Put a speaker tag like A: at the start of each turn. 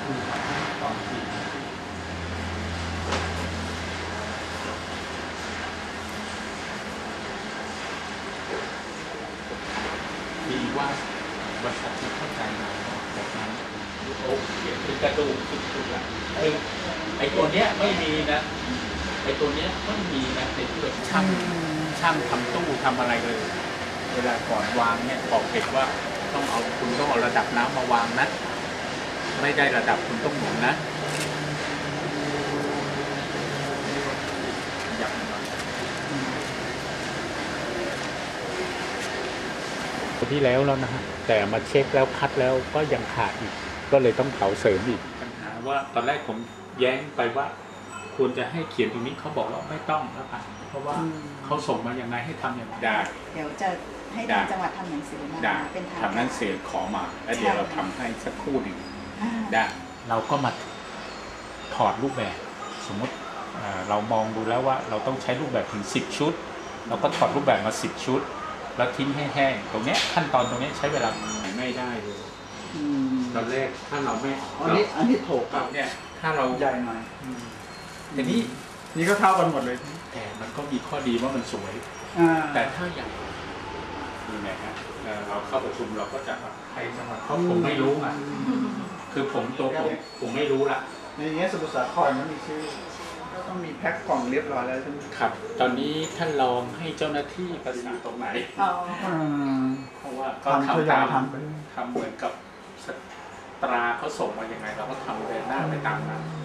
A: ตอนที่ดีว่าบริษัทที่เข้าใจเราแบบนั้นโอ้เขียนเป็นกระดูกทุกอย่างไอ้ตัวเนี้ยไม่มีนะไอ้ตัวเนี้ยไม่มีนะในที่เราช่างทำตู้ทำอะไรเลยเวลาก่อนวางเนี่ยบอกเด็กว่าคุณต้องเอาระดับน้ำมาวางนะไม่ได้ระดับคุณต้องหมุนนะอยากหน่อยที่แล้วนะฮะแต่มาเช็คแล้วคัดแล้วก็ยังขาดอีกก็เลยต้องเผาเสริมอีกปัญหาว่าตอนแรกผมแย้งไปว่าควรจะให้เขียนตรงนี้เขาบอกว่าไม่ต้องแล้วค่ะเพราะว่าเขาส่งมาอย่างไรให้ทำอย่างไรได้
B: เดี๋ยวจะให้ทางจังหวัดทำหนังสือมาเป็นทาง
A: ทำหนังสือขอมาแล้วเดี๋ยวเราทำให้สักครู่หนึ่งได้เราก็มาถอดรูปแบบสมมติเรามองดูแล้วว่าเราต้องใช้รูปแบบถึง10 ชุดเราก็ถอดรูปแบบมา10 ชุดแล้วทิ้งให้แห้งตรงนี้ขั้นตอนตรงนี้ใช้เวลาไม่ได้เลยตอนแรกถ้าเราไม่
C: อันนี้โถกครับ
A: เนี่ยถ้าเรา
C: ใหญ่หน่อย
A: แต่นี่
C: ก็เท่ากันหมดเลย
A: แต่มันก็มีข้อดีว่ามันสวยแต่ถ้าอย่างนี่ไงฮะเราเข้าประชุมเราก็จะให้จังหวัดเพราะผมไม่รู้อ่ะคือผมไม่รู้ละ
C: ในเงี้ยสมุทรสาครมันมีชื่อก็ต้องมีแพ็คกล่องเรียบร้อยแล้วใช่ไหม
A: ครับตอนนี้ท่านลองให้เจ้าหน้าที่ประสานตรงไหนเพราะว่าก็ทำตามทำเหมือนกับตราเขาส่งมาอย่างไงเราก็ทำเดินหน้าไปตามนั้น